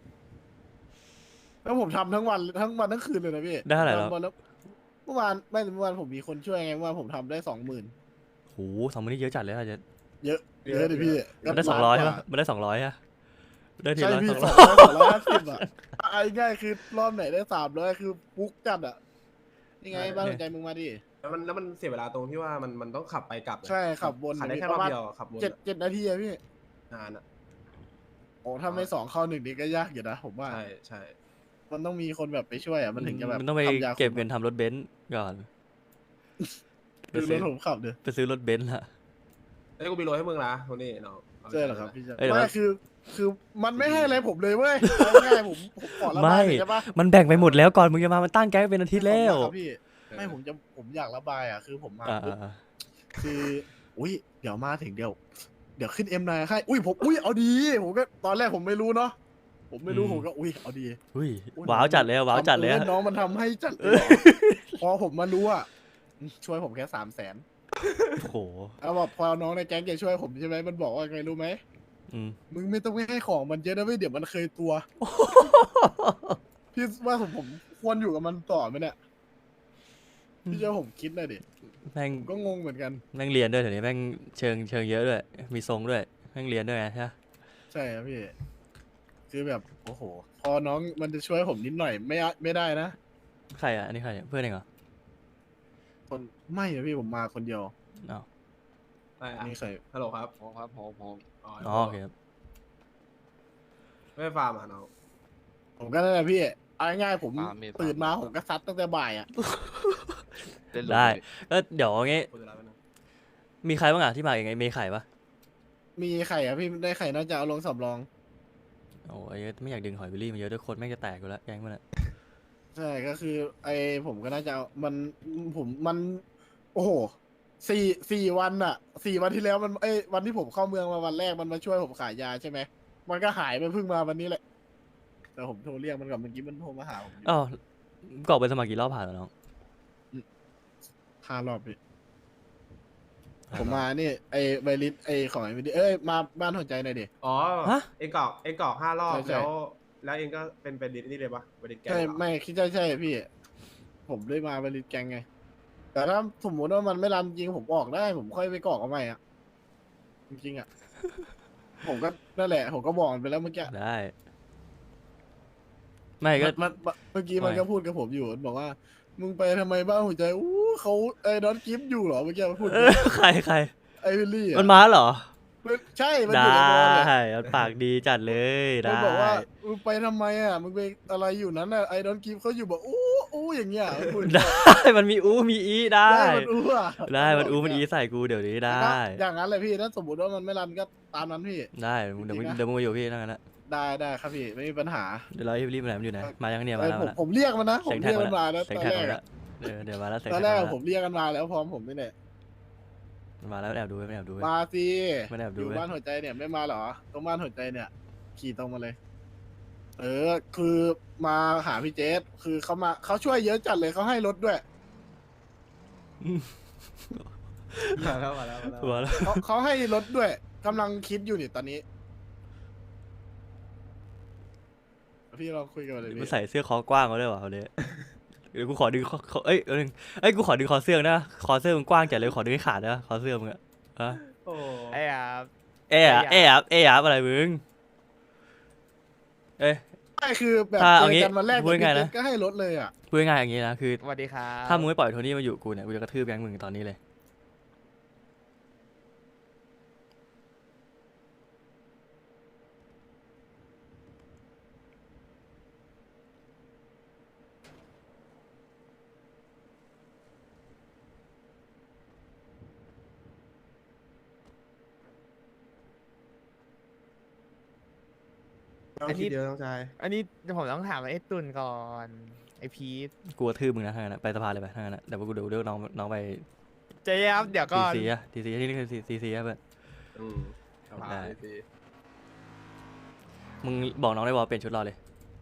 Speaker 5: แล้วผมทำทั้งวันทั้งวันทั้งคืนเลยนะพี่
Speaker 1: ได้เท่าไหร่แล้ว
Speaker 5: ทำวันละเมื่อวานไม่เมื่อวานผมมีคนช่วยไงเมื่อวานผมทำได้สองหมื่น
Speaker 1: โหสองมันนี่เยอะจัดเลยอาจจะ
Speaker 5: เยอะเยอะดิพี่
Speaker 1: มันได้สองร้อยใช่ปะมันได้สองร้อยอะได้ที
Speaker 5: ใช่
Speaker 1: ละ
Speaker 5: พี่
Speaker 1: สอง
Speaker 5: ส
Speaker 1: ร้
Speaker 5: อ
Speaker 1: อง ย
Speaker 5: ร้อยสองร้อยห้าสิบอ่ะไอ้ง่ายคือรอบไหนได้สามร้อยคือปุ๊กจัดอ่ะนี่ไงบ้านหัวใจมึงมาดิ
Speaker 6: แล้วมันแล้วมันเสียเวลาตรงที่ว่ามันมันต้องขับไปกลับไง
Speaker 5: ใช่ขับวน
Speaker 6: ขับได้แค่
Speaker 5: ป
Speaker 6: รอ
Speaker 5: ระ
Speaker 6: บ
Speaker 5: มาณ
Speaker 6: เดียวขับวน
Speaker 5: เจ็ดเจ็ดนาทีอะพี่
Speaker 6: นานอ่ะ
Speaker 5: โอ้ถ้าไม่สองเข้าหนึ่งนี่ก็ยากอยู่นะผมว่า
Speaker 6: ใช่ใช่
Speaker 5: มันต้องมีคนแบบไปช่วยอ่ะมันถึงจะแบบ
Speaker 1: มันต้องไป
Speaker 5: ทำยาคุม
Speaker 1: เก็บเงินทำรถเบนซ์ก่อนไป
Speaker 5: ดูร
Speaker 1: ซื้
Speaker 5: ถ
Speaker 1: อ
Speaker 5: ผมขับเด้อ
Speaker 1: ไปซื้อรถเบนซ์ละ
Speaker 6: เอ้ยกูมีโรยให้มึงนะโทนี่น้องาไป
Speaker 5: ใช่เหรอครับพี่ชาย
Speaker 1: เอ้ยเดี๋ยว
Speaker 5: ไม่
Speaker 1: ว่า
Speaker 5: คือ คือมันไม่ให้อะไรผมเลยเว้ยเอาง่ายๆผมผมขอระบา
Speaker 1: ไม่
Speaker 5: ยหน่อยได้ปะ
Speaker 1: มันแบ่งไปหมดแล้วก่อนมึงจะมามันตั้งแก๊งเป็นอาทิตย์แล้ว
Speaker 5: ครับพี่ไม่ผมจะผมอยากระบายอ่ะคือผมมา
Speaker 1: อ่า
Speaker 5: ปุ๊บ
Speaker 1: อ่า
Speaker 5: คืออุ้ยเดี๋ยวมาถึงเดี๋ยวเดี๋ยวขึ้นเอ็มนายให้อุ้ยผมอุ้ยเอาดีผมก็ตอนแรกผมไม่รู้เนาะผมไม่รู้ผมก็อุ้ยเอาดี
Speaker 1: อุ้ย
Speaker 5: อุ๊ย
Speaker 1: ว้าวจัดเลยอะว้าวจัดเลย
Speaker 5: ทำ
Speaker 1: อะ
Speaker 5: เอิ้นน้องมันทำให้จัดเลยเหรอพอผมมารู้อ่ะช่วยผมแค่สามแสน
Speaker 1: โอ้โห
Speaker 5: เอาบอกพอน้องในแก๊งจะช่วยผมใช่ไหมมันบอกว่าไงรู้ไหม
Speaker 1: อืม
Speaker 5: มึงไม่ต้องไปให้ของมันเยอะนะเว้ยเดี๋ยวมันเคยตัว พี่ว่าผมผมควรอยู่กับมันต่อไหมเนี่ยพี่เจ้าผมคิดหน่อยดิ
Speaker 1: แม่ง
Speaker 5: ผมก็งงเหมือนกัน
Speaker 1: แม่งเรียนด้วยเดี๋ยวนี้แม่งเชิงเชิงเยอะด้วย มีทรงด้วยแม่งเรียนด้วยไงใช่ปะ
Speaker 5: ใช่ครับพี่ คือแบบโอ้โห พอน้องมันจะช่วยผมนิดหน่อยไม่อะไม่ได้นะ
Speaker 1: ใครอ่ะอันนี้ใครเนี่ยเพื่อนเองเหรอ
Speaker 5: คนไม่อะพี่ผมมาคนเดียว
Speaker 1: อ้าว
Speaker 6: ได้อะ
Speaker 5: นี่ใคร
Speaker 6: ฮัลโหลครับ
Speaker 3: ผมครับผมผม
Speaker 6: อ๋อ
Speaker 1: อ๋อโอเคครับ
Speaker 6: ไม่ฟาร์มอ่ะน้อง
Speaker 5: ผมก็นั่นแหละพี่เอาง่ายๆผม
Speaker 3: ฟาร์มมีฟาร์ม
Speaker 5: ตื่นมาผมก็ซัดตั้งแต่บ่ายอ่ะ
Speaker 3: เล่น
Speaker 1: ได้
Speaker 3: เลย
Speaker 1: ก็เดี๋ยวเอางี้
Speaker 6: กูจะรับไปนะ
Speaker 1: มีใครบ้างอ่ะที่มาอย่างไงมีไข่ปะ
Speaker 5: มีไข่อะพี่ได้ไข่น่าจะเอาลงสำรอง
Speaker 1: โอ้ยไม่อยากดึงหอยวิลลี่มาเยอะด้วยคนแม่งจะแตกอยู่แล้วแก๊งมันอะ
Speaker 5: ใช่ก็คือ ไอผมก็น่าจะเอามันผมมัน โอ้โหสี่สี่วันอะสี่วันที่แล้วมันไอยวันที่ผมเข้าเมืองมาวันแรกมันมาช่วยผมขายยาใช่ไหมมันก็หายไปเพิ่งมาวันนี้แหละ แต่ผมโทรเรียกมันก่อนเมื่อกี้มันโทรมาหาผมอยู่
Speaker 1: อ้าวกรอกไปสมัครกี่รอบผ่านแล้วน้อง
Speaker 5: ห้ารอบพี่ผมมานี่ไอไวริสไอของไอวิดีเอ้ยมาบ้านหัวใจหน่อยดิ
Speaker 6: อ๋อ
Speaker 1: ฮะ
Speaker 6: เอ็งกรอกเอ็งกรอกห้ารอบ
Speaker 5: ใช่ใช่
Speaker 6: แล้ว แล้วเอ็งก็เป็นเป็นดิสนี่เลยปะเป็นดิสแกน
Speaker 5: ใช่
Speaker 6: เหรอ
Speaker 5: ไม่คิดใช่ใช่พี่ ผมได้มาไวริสแกงไง แต่ถ้าสมมติว่ามันไม่รันจริงผมออกได้ ผมค่อยไปกรอกเอาใหม่อะจริงๆอะ ผมก็นั่นแหละ ผมก็บอกมันไปแล้วเมื่อกี้
Speaker 1: ได้ ไม่ก็
Speaker 5: มันมันเมื่อกี้มัน
Speaker 1: ไม่
Speaker 5: ก็พูดกับผมอยู่มันบอกว่า มึงไปทำไมบ้านหัวใจอู้เขาไอ้ดอนกิฟอยู่เหรอเมื่อกี้มันพูด
Speaker 1: เออใครใคร
Speaker 5: ไอ้วิลลี่อะ
Speaker 1: มันมาเหรอ
Speaker 5: มันใช่มัน
Speaker 1: ได
Speaker 5: อยู่ในบอลเลย
Speaker 1: ้มันปากดีจัดเลยได้
Speaker 5: มันบอกว่ามึงไปทำไมอ่ะมึงไปอะไรอยู่นั้นอ่ะไอ้ดอนกิฟเขาอยู่แบบอู้อู้อย่างเงี้ยมันพูด
Speaker 1: ได้ มันมีอู้มีอีได้
Speaker 5: ได้มันอู้อ่ะ
Speaker 1: ได้มันอู้มันอีใส่กูเดี๋ยวนี้ได้
Speaker 5: อย่างนั้นเลยพี่ถ้าสมมติว่ามันไม่รันก็ตามนั้นพี่
Speaker 1: ได้มึงเดี๋ยวมึง
Speaker 5: จริงนะ
Speaker 1: เดี๋ยวมึงมาอยู่พี่นั่นนะ
Speaker 5: ได้ได้ครับพี่ไม่มีปัญหา
Speaker 1: เดี๋ยวเราให้รีบมาไหนมันอยู่ไหนมายังเนี่ยมา
Speaker 5: เอ้ย
Speaker 1: แล้ว
Speaker 5: ผม
Speaker 1: มาแล้ว
Speaker 5: ผมเรียกมันนะผม
Speaker 1: เสียงแท็
Speaker 5: เรี
Speaker 1: ก
Speaker 5: ยก
Speaker 1: มา
Speaker 5: มัน
Speaker 1: แล้ว
Speaker 5: มาแล้ว
Speaker 1: เสียง
Speaker 5: ตอน
Speaker 1: แท็ก
Speaker 5: แร
Speaker 1: มาก แล้
Speaker 5: อะ
Speaker 1: วเดี๋ยวเดี๋ยวมาแล้วเสียง
Speaker 5: ตอน
Speaker 1: แท็
Speaker 5: แร
Speaker 1: ก
Speaker 5: ก
Speaker 1: มา
Speaker 5: อะ
Speaker 1: แล้ว
Speaker 5: ผมเรียกกันมาแล้วพร้อมผมนี่แหละ
Speaker 1: มันมาแล้วแอบดูไว้ไม่แอบดูไว้
Speaker 5: มาสิ
Speaker 1: ไม่ได้แอบ
Speaker 5: อ
Speaker 1: ดู
Speaker 5: ยู่
Speaker 1: ไว้
Speaker 5: บ้านหัวใจเนี่ยไม่มาเหรอตรงบ้านหัวใจเนี่ย ขี่ตรงมาเลย เออ คือมาหาพี่เจสคือเขามาเขาช่วยเยอะจัดเลยเขาให้รถด้วย
Speaker 6: มาแล้วมาแล้วมาแล้ว
Speaker 1: หัวแล้ว
Speaker 5: เขาเขาให้รถด้วยกำลังคิดอยู่นี่ตอนนี้ พี่ลองคุยกันเลย
Speaker 1: มัน
Speaker 5: พี่
Speaker 1: ใส่เสื้อคอกว้างมาด้วยวะเขาเนี่ยเดี๋ยวกูขอดึงคอคอเอ้ยเอ้ยเอ้ยกูขอดึงคอเสื้อนะคอเสื้อมึงกว้างจัดเลยขอดึงให้ขาดนะคอเสื้อมึงอะฮะ
Speaker 6: โอ้
Speaker 7: ไอ้ครับ
Speaker 1: เอ๊ะอะเอ๊ะอะเอ๊ะอะอะไรมึงเอ้ย
Speaker 5: ไม่คือแบบ
Speaker 1: ถ้า
Speaker 5: เจ
Speaker 1: เอา
Speaker 5: อ
Speaker 1: งี้
Speaker 5: กันวันแรก
Speaker 1: พูดง่ายๆ
Speaker 5: พี่
Speaker 1: นะ
Speaker 5: เจสก็ให้รถเลยอ่ะ
Speaker 1: พูดง่ายๆอย่างนี้นะคือ
Speaker 7: สวัสดีครับ
Speaker 1: ถ้ามึงไม่ปล่อยโทนี่มาอยู่กูเนี่ยกูจะกระทืบแบงค์มึงตอนนี้เลย
Speaker 6: ต้องคิดเยอะต้องใจ
Speaker 7: อันนี้ผมต้องถามไอ้ตุนก่อน ไอ้พีท
Speaker 1: กูกระทืบมึงนะถ้างั้นนะไปสภาเลยไปถ้างั้นนะเดี๋ยวกูเดี๋ยวเรียกน้องน้องไป
Speaker 7: เจ๊ครับ เดี๋ยว
Speaker 1: ที
Speaker 7: ก่อน
Speaker 1: ซีอะทีซีที่นี่คือทีซีอะเพื่อน
Speaker 6: อืมสภา
Speaker 1: ได้
Speaker 6: ดี
Speaker 1: มึงบอกน้องได้บอกเปลี่ยนชุดรอเลย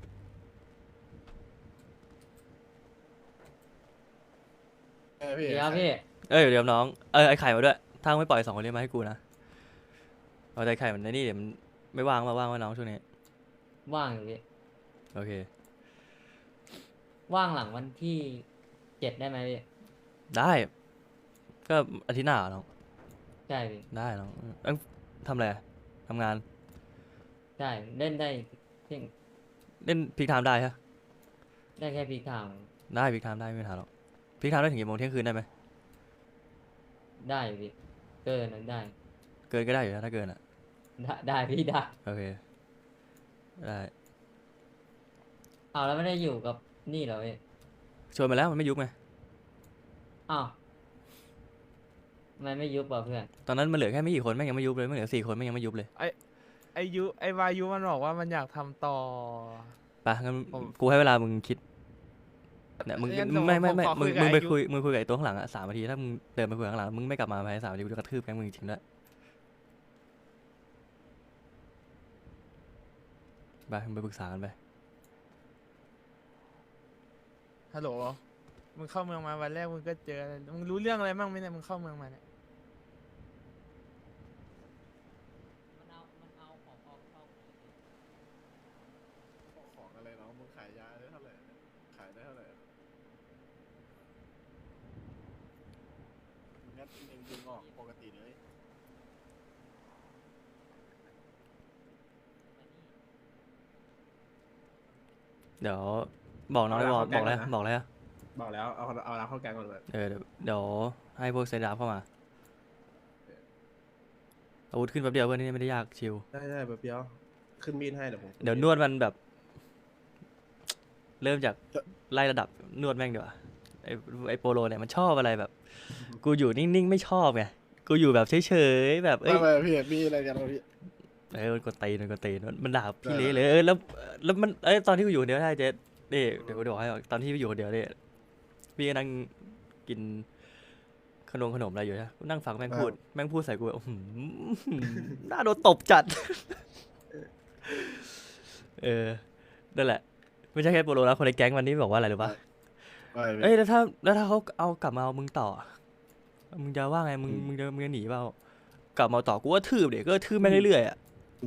Speaker 5: เออพี่
Speaker 8: ดีครับพี่
Speaker 1: เอ้ยเดี๋ยวน้องเออไอไข่มาด้วยถ้ามึงไม่ปล่อยสองคนนี้มาให้กูนะเอาใจไข่มันในนี่เดี๋ยวมันไม่ว่างมาว่างว่าน้องช่วงนี้
Speaker 8: ว่างอยู่พี่
Speaker 1: โอเค
Speaker 8: ว่างหลังวันที่เจ็ดได้ไหมพี่
Speaker 1: ได้ก็อาทิตย์หน้าเหรอน้อง
Speaker 8: ใช่พี่
Speaker 1: ได้น้องเอ้ยทำอะไรอะทำงาน
Speaker 8: ใช่เล่นได้เพียง
Speaker 1: เล่นพิกไทม์ได้ฮะ
Speaker 8: ได้แค่พีทาง
Speaker 1: ได้พิกไทม์ได้ไม่มีปัญหาหรอกพิกไทม์ได้ถึงกี่โมงเที่ยงคืนได้ไหม
Speaker 8: ได้อยู่พี่เกินนั้นได้
Speaker 1: เกินก็ได้อยู่นะถ้าเกินอ่ะ
Speaker 8: ได้ได้พี่ได้
Speaker 1: โอเคได้
Speaker 8: อ้าวแล้วไม่ได้อยู่กับนี่เหรอพี่
Speaker 1: ชวนมาแล้วมันไม่ยุบไง
Speaker 8: อ้าวทำไมไม่ยุบอ่ะเพื่อน
Speaker 1: ตอนนั้นมันเหลือแค่ไม่กี่คนแม่งยังไม่ยุบเลยมันเหลือสี่คนแม่งยังไม่ยุบเลย
Speaker 7: ไอยุไอวายุมันบอกว่ามันอยากทำต่อ
Speaker 1: ไปงั้น
Speaker 7: ผม
Speaker 1: กูให้เวลามึงคิดเนี่ยมึง
Speaker 7: งั้น
Speaker 1: มึงไม่ไม่ไม่
Speaker 7: ผมขอ
Speaker 1: มึง
Speaker 7: คุยกับ
Speaker 1: มึงไป
Speaker 7: ไอ้ยุ
Speaker 1: คุยมึงคุยกับไอ้ตัวข้างหลังอะสามนาทีถ้ามึงเดินไปคุยข้างหลังมึงไม่กลับมาภายในสามนาทีกูจะกระทืบแกงมึงจริงๆด้วยไปมึงไปปรึกษากันไป
Speaker 7: ฮัลโหลมึงเข้าเมืองมาวันแรกมึงก็เจออะไรมึงรู้เรื่องอะไรบ้างไหมเนี่ยมึงเข้าเมืองมาเนี่ย
Speaker 8: มันเอามันเอาของออกเข้า
Speaker 5: ของอะไรน้องมึงขายยาได้เท่าไหร่ขายได้เท่าไหร่งั้นเองดึงออกปกติเลย
Speaker 1: เดี๋ยวบอกน้องได้บอกบอกแล้วบอกแล้ว
Speaker 6: บอกแล้วเอาเอาเราเข้าแก๊งก่อนเลย
Speaker 1: เออเดี๋ยวเดี๋ยวให้พวกเซนดาฟเข้ามาอาวุธขึ้นแป๊บเดียวเพื่อนนี่ไม่ได้ยากชิว
Speaker 6: ได้ได้แบบเดียวขึ้นมีดให้เดี๋ยวผม
Speaker 1: เดี๋ยวนวดมันแบบ เริ่มจากไล่ระดับนวดแม่งดีกว่าไอไอโปโลเนี่ยมันชอบอะไรแบบ กูอยู่นิ่งๆไม่ชอบไงกูอยู่แบบเฉยๆแบบเอ้
Speaker 5: ไม่
Speaker 1: ย
Speaker 5: ไม่พี่มีอะไรกันวะพี่
Speaker 1: เออมันกดตีนมันกดตีนมันมันด่าพี่เละเลยเออแล้วแล้วมันเอ้ยตอนที่กูอยู่คนเดียวได้เจ๊นี่เดี๋ยวกูบอกให้ตอนที่พี่อยู่คนเดียวเนี่ยพี่ก็นั่งกินขนมขนมอะไรอยู่ใช่กูนั่งฟังแม่งพูดแม่งพูดใส่กูแบบอื้อหือน่าโดนตบจัด เออนั่นแหละ ไม่ใช่แค่โปโลนะคนในแก๊งวันนี้บอกว่าอะไรหรือปะ
Speaker 5: ไม่พี่
Speaker 1: เอ้ยแล้วถ้าแล้วถ้าเขาเอากลับมาเอามึงต่อ มึงจะว่าไงมึงมึงจะมึงจะหนีเปล่ากลับมาเอาต่อกูว่าทืบเดี๋ยวก็ทืบแม่งเรื่อยๆอ่ะ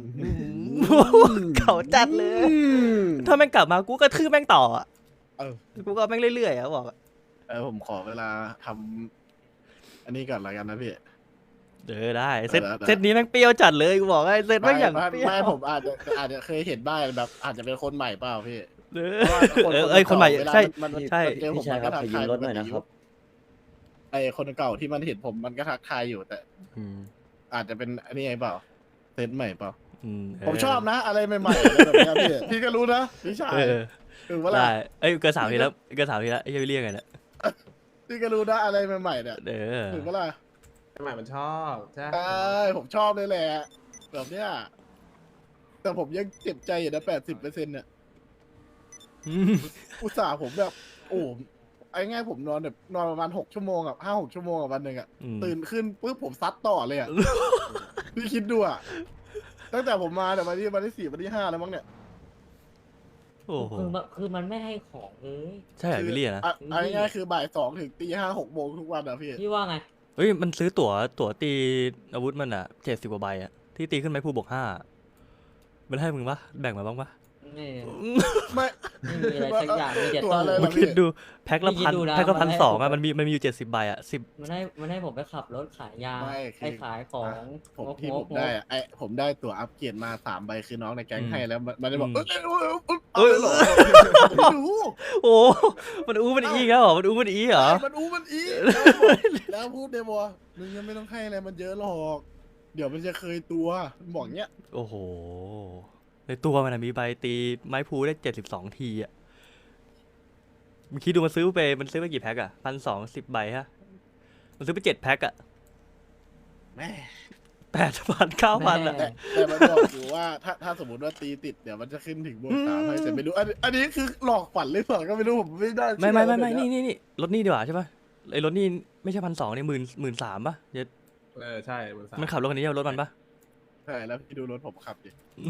Speaker 1: เขาจัดเลย ถ้าแม่งกลับมากูก็ทืบแม่งต่ออ่ะ
Speaker 5: เออ
Speaker 1: กูก็แม่งเรื่อยๆอ่ะบอกอะ
Speaker 5: เออผมขอเวลาทำอันนี้ก่อนละกันนะพี่
Speaker 1: เออได้เซต
Speaker 5: ได้ได้
Speaker 1: เซตนี้แม่งเปรี้ยวจัดเลยกูบอกให้เซตแม่งอย่าง
Speaker 5: ไม่
Speaker 1: เปรี้ยว
Speaker 5: ไม่ผมอาจจะอาจจะเคยเห็นบ้างแบบ อาจจะเป็นคนใหม่เปล่าพี่
Speaker 1: เออ
Speaker 5: เพราะว่าคน
Speaker 1: เออเอ้ยคนใหม่
Speaker 5: เวลา
Speaker 1: ใช่
Speaker 5: มันมัน
Speaker 1: ใช่
Speaker 5: เจอผม
Speaker 2: พี่ชายครับ
Speaker 5: มัน
Speaker 2: ข
Speaker 5: ก็
Speaker 2: อยืมรถหน่อย
Speaker 5: ทักทาย
Speaker 2: นะครับ
Speaker 5: ไอคนเก่าที่มันเห็นผมมันก็ทักทายอยู่แต่
Speaker 1: อืม
Speaker 5: อาจจะเป็นอันนี้ไงเปล่าเซตใหม่เปล่า
Speaker 1: อืมเ
Speaker 5: ผมชอบนะ อะไรใหม่ๆอะไรแบบเนี้ยพี่พี่ก็รู้นะพี่ชาย
Speaker 1: เออ
Speaker 5: คือว่าอะไร
Speaker 1: ได้เอ้ยเกินสามทีแล้วเกินสามทีแล้วไอ้เหี้ยเรียกไงเนี่ย
Speaker 5: พี่ก็รู้นะอะไรใหม่ๆเนี่ย
Speaker 1: เออ
Speaker 5: ถือว่าอะไร
Speaker 6: ใหม่มันชอบใช่
Speaker 5: ใช่ผมชอบเลยแหละแบบเนี้ยแต่ผมยังเจ็บใจอยู่นะแปดสิบเปอร์เซ็นต์เนี่ย
Speaker 1: อืม
Speaker 5: อุตส่าห์ผมแบบ โอ้ไอ้ง่ายผมนอนแบบนอนประมาณหกชั่วโมงอ่ะห้าหกชั่วโมงอ่ะวันหนึ่งอ่ะ
Speaker 1: อืม
Speaker 5: ตื่นขึ้นปุ๊บผมซัดต่อเลยอ่ะ พี่คิดดูอ่ะ ตั้งแต่ผมมาแต่วันที่วันที่สี่วันที่ห้าแล้วมั้งเนี่ย
Speaker 1: โอ้โห
Speaker 8: คือมันคือมันไม่ให้ของเลย
Speaker 1: ใช่เหรอวิลลี่อะนะ
Speaker 5: อ่ะเอาง่ายๆคือบ่ายสองถึงตีห้าหกโมงทุกวันอ่ะพี่
Speaker 8: พี่ว่าไง
Speaker 1: เฮ้ยมันซื้อตั๋วตั๋วตีอาวุธมันอ่ะเจ็ดสิบกว่าใบอ่ะที่ตีขึ้นไปผู้บวกห้ามันให้มึงปะแบ่งมาบ้างปะ
Speaker 8: ไม่
Speaker 5: ไม่
Speaker 8: ไม่มีอะไรสักอย่างมีแต่
Speaker 5: ตัว
Speaker 8: ตู้
Speaker 5: อะไร
Speaker 1: มึงคิดดูแพ็คละ
Speaker 8: พี่คิด
Speaker 1: พัน
Speaker 8: ดูนะ
Speaker 1: แพ็คละ
Speaker 8: มั
Speaker 1: พั
Speaker 8: น
Speaker 1: น
Speaker 8: ให้
Speaker 1: สอง
Speaker 8: ผม
Speaker 1: อ่ะมันมีมันมีอยู่เจ็ดสิบใบอ่ะสิบ
Speaker 8: มันให้มันให้ผมไปขับรถขายยา
Speaker 5: ไม่คือ
Speaker 8: ไปขายของ
Speaker 5: ผม
Speaker 8: งก
Speaker 5: ที่
Speaker 8: ง
Speaker 5: ผ
Speaker 8: ก
Speaker 5: ม
Speaker 8: ง
Speaker 5: ได้
Speaker 8: ก
Speaker 5: อะไอผมได้ตั๋วอัปเกรดมาสามใบคือน้องในแก๊ง
Speaker 1: อืม
Speaker 5: ให้แล้วมันมันจะบอก
Speaker 1: อื
Speaker 5: เอ้
Speaker 1: ม
Speaker 5: ยเอ้ยเอ้ยเอ้ยเอาเลยเหรอไม่รู้
Speaker 1: โอ้มันอู้มันอีกแล้วเหรอมันอู้มันอีเหรอ
Speaker 5: ไอ้มันอู้มันอีแล้วบอกแล้วพูดเดบอมึงยังไม่ต้องให้อะไรมันเยอะหรอก เดี๋ยวมันจะเคยตัวมันบอกเงี้ย
Speaker 1: โอ้โหในตัวมันอะมีใบตีไม้พลูได้เจ็ดสิบสองทีอ่ะมึงคิดดูมันซื้อไปมันซื้อไปกี่แพ็คอะพันสองสิบใบฮะมันซื้อไปเจ็ดแพ็คอะ
Speaker 5: แม่
Speaker 1: แปดพันเก้าพันอะ
Speaker 8: แม่
Speaker 5: แต่แต่มันบอกอยู่ว่าถ้าถ้าสมมติว่าตีติดเดี๋ยวมันจะขึ้นถึงบวกสามให้แต่ไม่รู้อันอันนี้คือหลอกฝันหรือเปล่าก็ไม่รู้ผมไม่ได้
Speaker 1: ไม่ไม่ไม่ไม่
Speaker 5: เชื่
Speaker 1: นี่
Speaker 5: อ
Speaker 1: นี่นี่รถนี่ดีกว่าใช่ปะไอ้รถนี่ไม่ใช่พันสองนี่หมื่นหมื่นสามปะเดี๋ยว
Speaker 6: เออใช่มันสา
Speaker 1: มันขับรถคันนี้เอารถมันปะ
Speaker 5: ใช่แล้วพี่ดูรถผมขับดิ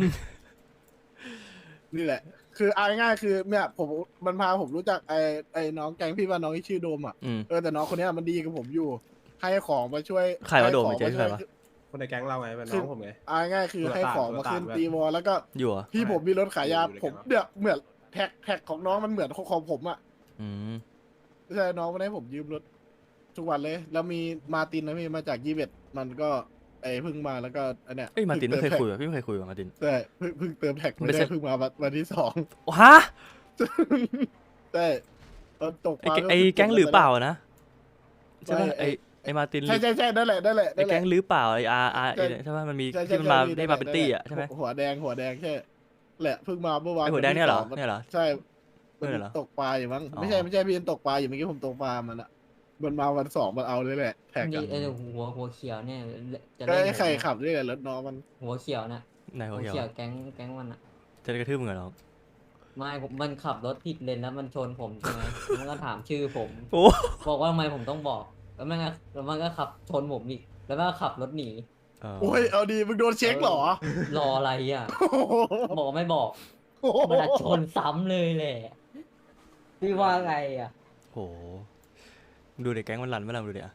Speaker 5: นี่แหละ คือเอาง่ายๆคือเนี่ยผมมันพาผมรู้จักไอ้ไอ้น้องแก๊งพี่ว่าน้องที่ชื่อโดมอ่ะ
Speaker 1: อืม
Speaker 5: เออแต่น้องคนเนี้ยมันดีกับผมอยู่ ให้ของมาช่วย
Speaker 1: ใครวะโดม
Speaker 5: ให้ของ
Speaker 1: เจ๊ใครวะ
Speaker 5: ช่วย
Speaker 6: คนในแก๊งเราไงเป็นน้องผมไง
Speaker 5: เอาง่ายๆคือให้ของมาขึ้น
Speaker 6: ตัวตาล
Speaker 5: ตีวอลแล้วก็
Speaker 1: อยู่เหรอ
Speaker 5: พี่ผมมีรถขายยา
Speaker 6: อยู่ใน
Speaker 5: ผม
Speaker 6: แก๊ง
Speaker 5: เนี่ยเหมือนแท็กแท็กของน้องมันเหมือนของผมอ่ะ
Speaker 1: อืม
Speaker 5: ใช่น้องมันให้ผมยืมรถทุกวันเลย แล้วมีมาร์ตินนะพี่มาจากยี่สิบเอ็ดมันก็ไอ้เพิ่งมาแล้วก็อันเนี้ย
Speaker 1: เอ้ยมาร์ตินไม่เคย
Speaker 5: พิ่ง
Speaker 1: คุย
Speaker 5: ติ
Speaker 1: ว่ะพี่ไม่เคยคุยกับมาร์ติน
Speaker 5: แท็กใช่เพิ่งเพิ่งเติมแท็ก
Speaker 1: ไม่
Speaker 5: ไม่
Speaker 1: ใช่
Speaker 5: ได้เพิ่งมาวันวันที่สอง
Speaker 1: ฮะ
Speaker 5: ใช่ตอนตก
Speaker 1: ไอ้
Speaker 5: ปลา
Speaker 1: แกไอ้แก๊งหรือเปล่านะใช่ปะ
Speaker 5: ไม่ไอ้
Speaker 1: ไอ้ไอ้มาร์ติน
Speaker 5: ใช่ใช่ใช่นั่นแหละนั่นแหละ
Speaker 1: ไอ้
Speaker 5: นั่นแห
Speaker 1: แก๊
Speaker 5: ละ
Speaker 1: งหรือเปล่าไอ้อาร์อาร์
Speaker 5: ใช่
Speaker 1: ใช่ปะมันมี
Speaker 5: ใช่ใช่
Speaker 1: ที่มันมา
Speaker 5: ใช่
Speaker 1: ได้มาเป็นตี้อ่ะใช่ไหม
Speaker 5: หัวแดงหัวแดงใช่แหละเพิ่งมาเมื่อวาน
Speaker 1: ไอ้หัวแดงเนี่ยเหรอ
Speaker 5: วั
Speaker 1: เนี่ยเหรอ
Speaker 5: ใช่
Speaker 1: เพื่อนเหรอ
Speaker 5: ตกปลาอยู่มั้ง
Speaker 1: อ๋อ
Speaker 5: ไม่ใช่ไม่ใช่พี่ตกปลาอยู่เมื่อกี้ผมตกปลามันอะมันมาวันสองมันเอาเลยแหละแท็ก
Speaker 8: มี
Speaker 5: กัน
Speaker 8: เออหัวหัวเขียวเนี่ยจะ
Speaker 5: ก็
Speaker 8: เล่น
Speaker 5: ไอ้
Speaker 8: ผม
Speaker 5: ไข่
Speaker 8: เนี่ย
Speaker 5: ขับด้วยกันรถน้องมัน
Speaker 8: หัวเขียวน่ะ
Speaker 1: นายหั
Speaker 8: หั
Speaker 1: ว
Speaker 8: ว
Speaker 1: เขียว
Speaker 8: เขียวแก๊งแก๊งมันอ่ะ
Speaker 1: จะได้กระทืบมึงเหรอน้อง
Speaker 8: ไม่ผมมันขับรถผิดเลนแล้วมันชนผมใช่ไหม มันก็ถามชื่อผม
Speaker 1: โอ้
Speaker 8: บอกว่าทำไมผมต้องบอก แล้วมันก็แล้วมันก็ขับชนผมอีก แล้วมันก็ขับรถหนี
Speaker 1: เออ
Speaker 5: โอ้ยเอาดีมึงโดนเช็คเหรอ
Speaker 8: รออะไรอ่ะ
Speaker 5: โอ้โห
Speaker 8: บอกไม่บอก มันอะชนซ้ำเลยแหละ พี่ว่าไงอ่ะ
Speaker 1: โหมึงดูเด็กแก๊งมันรันไม่รันดูเดี๋ยว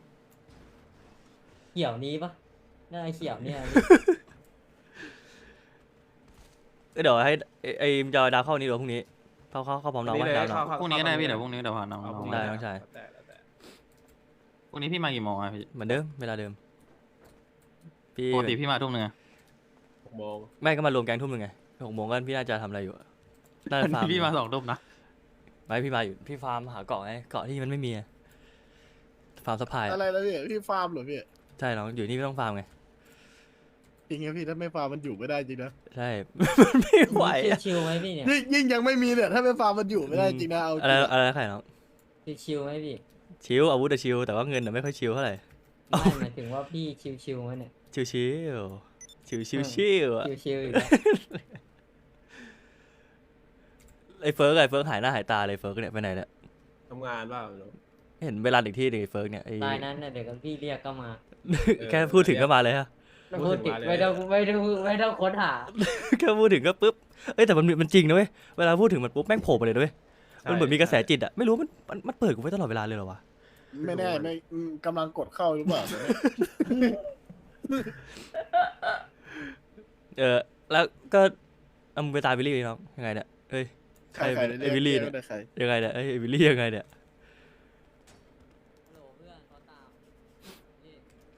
Speaker 8: เขียวนี้ปะน่าจะเขียวเนี่ย
Speaker 1: เดี๋ยวให้ไอ้ไอ้จอยดาวเข้านี้หรือว่าพรุ่งนี้เข้าเข้าเข้าพร้อมน้อง
Speaker 6: นี่
Speaker 1: ว่า
Speaker 6: เลย
Speaker 1: ดาวน้อง
Speaker 6: เข้า
Speaker 4: พรุ่งนี้ก็ได้พี่เดี๋ยวพรุ่งนี้เดี๋ยวพาน้อง
Speaker 6: เอา
Speaker 4: น้
Speaker 6: พ
Speaker 4: อง
Speaker 6: รุ่ง
Speaker 4: มา
Speaker 1: ได้น้องชาย
Speaker 6: แล้วแต่แล้วแต่
Speaker 4: พรุ่งนี้พี่มากี่โมงอะพี่
Speaker 1: เหมือนเดิมเวลาเดิมพี่
Speaker 4: ปกติพี่มาทุ่มหนึงอะ
Speaker 6: หกโมง
Speaker 1: ไม่ก็มารวมแก๊งทุ่มหนึ่งไงหกโมงก็พี่น่าจะทำอะไรอยู่อะน่าจะฟาร์ม
Speaker 4: พี่มาสองทุ่มนะ
Speaker 1: ไม่พี่มาอยู่พี่ฟาร์มหาเกาะไงเกาะที่มันไม่มีอะฟาร์มสปายอะ
Speaker 5: อะไรแล้วพี่พี่ฟาร์มเหรอพี่
Speaker 1: ใช่น้องอยู่นี่ไม่ต้องฟาร์มไง
Speaker 5: จริงๆพี่ถ้าไม่ฟาร์มมันอยู่ไม่ได้จริงนะ
Speaker 1: ใช่ มันไม่ไหวอะ
Speaker 8: ชิวๆไหมพี่เนี่ย
Speaker 5: ยิ่งยิ่งยังไม่มีเนี่ยถ้าไม่ฟาร์มมันอยู่ไม่ได้จริงนะเอาจ
Speaker 1: อะไร
Speaker 5: ริง
Speaker 1: อะไรนะใครน้อง
Speaker 8: ชิวๆไหมพี่
Speaker 1: ชิวอาวุธอะชิวแต่ว่าเงินอะไม่ค่อยชิวเท่าไหร่
Speaker 8: ไม่หมายถึงว่าพี่ชิวๆไหมเนี่ย
Speaker 1: ชิวชิวชิวชิวชิวอะ
Speaker 8: ชิวๆอยู่แล้ว
Speaker 1: ไอ้เฟิร์กไอ้เฟิร์กหายหน้าหายตาเลยเฟิร์กเนี่ยไปไหนเนี่ย
Speaker 6: ทำงานบ้างเนอะ
Speaker 1: เห็นเวลาอีกที่หนึ่งไอ้เฟิร์กเนี่ยไอ้
Speaker 8: รายนั้นน่ะเดี๋ยวก็พี่เรียกก็มา
Speaker 1: แค่พูดถึงก็มาเลยฮะ
Speaker 8: ไม่พูดติดไม่ต้องไม่ต้องไม่ต้องค้นหา
Speaker 1: แค่พูดถึงก็ปุ๊บเอ้ยแต่มันมันจริงนะเว้ยเวลาพูดถึงมันปุ๊บแม่งโผล่มาเลยนะเว้ยมันเหมือนมีกระแสจิตอะไม่รู้มันมันมันเปิดกูไว้ตลอดเวลาเลยเหรอวะ
Speaker 5: ไม่แน่ไม่อืมกำลังกดเข้าหรือเปล่าเนี่ย
Speaker 1: เออแล้วก็เอามึงไปตายวิลลี่ดิน้องยังไงเนี่ยเอ้ย
Speaker 5: ใครใคร
Speaker 1: ไอ้วิลลี่เนี่ย
Speaker 5: ใคร
Speaker 1: ยังไงเนี่ยไอ้ยไอ้วิลลี่ยังไงเนี่ย
Speaker 8: ฮัลโหลเพื่อนเขาตามนี่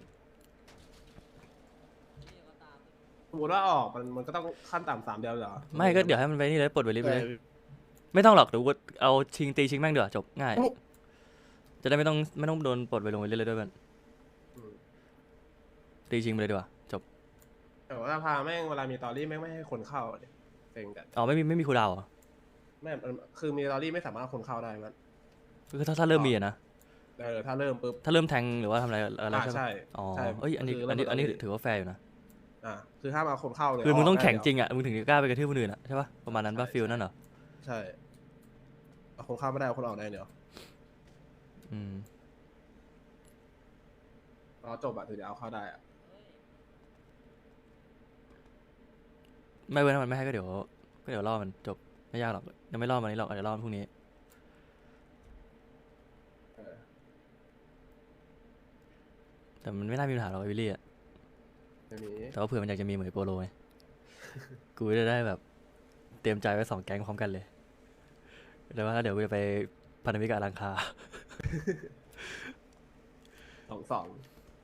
Speaker 8: นี่เขาตาม
Speaker 6: สมมติว่าออกมันมันก็ต้องขั้นต่ำสามเดียวเหรอ
Speaker 1: ไม่ก็เดี๋ยวให้มันไปนี่เลยปลดวิลลี่ไปเลย
Speaker 5: ใคร
Speaker 1: ไม่ต้องหรอกเดี๋ยวกูเอาชิงตีชิงแม่งเดี๋ยวาจบง่าย
Speaker 5: โอ้
Speaker 1: จะได้ไม่ต้องไม่ต้องโดนปลดไปลงไปเรื่อยๆด้วยมัน
Speaker 6: อืม
Speaker 1: ตีชิงไปเลยดีกว่าจบ
Speaker 6: แต่ว่าพาแม่งเวลามีตอรี่แม่งไม่ให้คนเข้าเนี่ยเซ็งกัน
Speaker 1: อ๋อไม่มีไม่มีครูดาวเหรอ
Speaker 6: แม่งมันคือมีตอรี่ไม่สามารถเอาคนเข้าได้มัน
Speaker 1: คือถ้าถ้าเริ่มมีอะนะ
Speaker 6: เออถ้าเริ่มปุ๊บ
Speaker 1: ถ้าเริ่มแทงหรือว่าทำอะไรอะไร
Speaker 6: อ่า
Speaker 1: ใช่ไหม
Speaker 6: ใช่
Speaker 1: อ๋อ
Speaker 6: ใช่
Speaker 1: เอ้ยอันนี้
Speaker 6: คือ
Speaker 1: อันนี้
Speaker 6: เริ่ม
Speaker 1: อันนี้
Speaker 6: ตอรี่
Speaker 1: ถือว่าแฟร์อยู่นะ
Speaker 6: อ่าคือห้ามเอาคนเข้าเลย
Speaker 1: คือมึงต้อง
Speaker 6: กได้
Speaker 1: แข่ง
Speaker 6: เดียว
Speaker 1: จริงอ่ะมึงถึงจะกล้าไปกระทืบคนอื่นอ่ะใช่ปะประมาณนั้นปะ
Speaker 6: ใช่
Speaker 1: ฟิลนั่นเหรอ
Speaker 6: ใช่เอาคนเข้าไม่ได้เอาคนออกได้เดี๋ยว
Speaker 1: อืม
Speaker 6: รอจบอะถึงจะเอาเข้าได้อะ
Speaker 1: ไม่เว้นถ้ามันไม่ให้ก็เดี๋ยวก็เดี๋ยวรอมันจบไม่ยากหรอกยังไม่รอมันนี้หรอกอาจจะรอมันพรุ่งนี้
Speaker 6: เออ
Speaker 1: แต่มันไม่น่ามีปัญหาหรอกไอ้วิลลี่อ่ะ
Speaker 6: ไม่มี
Speaker 1: แต่ว่าเผื่อมันอยากจะมีเหมือนโปโลไง กูจะได้แบบเตรียมใจไว้สองแก๊งพร้อมกันเลยแต่ว่าเดี๋ยวกูจะไปพันธมิตรกับอลังคา
Speaker 6: สองสอง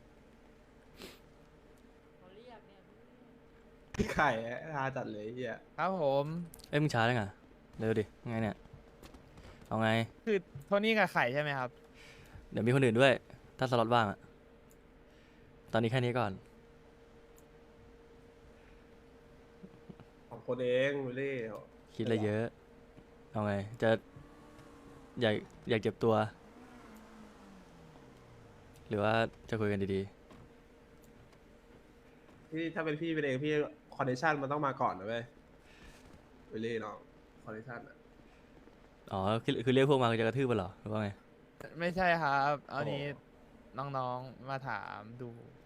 Speaker 8: เขาเรียกเนี่ย
Speaker 6: ไข่ฮาจัดเลยไอ้เฮีย
Speaker 7: ครับผม
Speaker 1: เอ้ยมึงช้าได้ไงเร็วดิไงเนี่ยเอาไง
Speaker 7: คือโทนี่กับไข่ใช่ไหมครับ
Speaker 1: เดี๋ยวมีคนอื่นด้วย ถ้าสล็อตว่างอะตอนนี้แค่นี้ก่อน
Speaker 6: สองคนเองวิลลี่
Speaker 1: คิดอะไรเยอะ เอาไง จะอยากอยากเจ็บตัว หรือว่าจะคุยกันดี
Speaker 6: พี่ถ้าเป็นพี่เป็นเองพี่คอนเนคชั่นมันต้องมาก่อนนะเว้ยวิลลี่น้องคอนเนคชั่นอะ
Speaker 1: ๆ อ๋อคือคือเรียกพวกมาจะกระทืบมันเหรอหรือว่าไง
Speaker 7: ไม่ใช่ครับ เอานี้น้องๆมาถามดู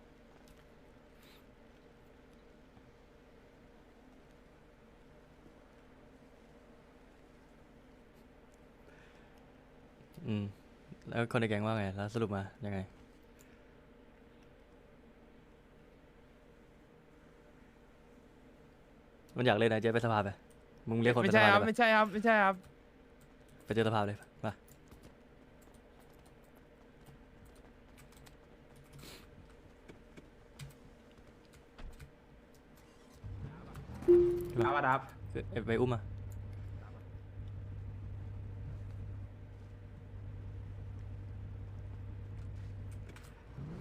Speaker 1: อืม แล้วคนในแก๊งว่าไง แล้วสรุปมายังไง มันอยากเล่นนะเจ๊ไปสภาไป มึงเรียกคนไป
Speaker 7: ไม่
Speaker 1: ส
Speaker 7: ใช่
Speaker 1: ภา
Speaker 7: ครับ
Speaker 1: เลย
Speaker 7: ไม่ใช่ครับ ไม่ใช่ครับ
Speaker 1: ไปเจอสภาเลยมา
Speaker 6: ครับอาดับ
Speaker 1: เอ้ยไปอุ้มมา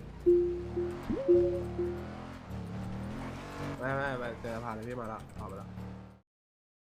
Speaker 6: ไม่ไม่ไม่เจอผ่านเลยพี่มาแล้วออกมาแล้ว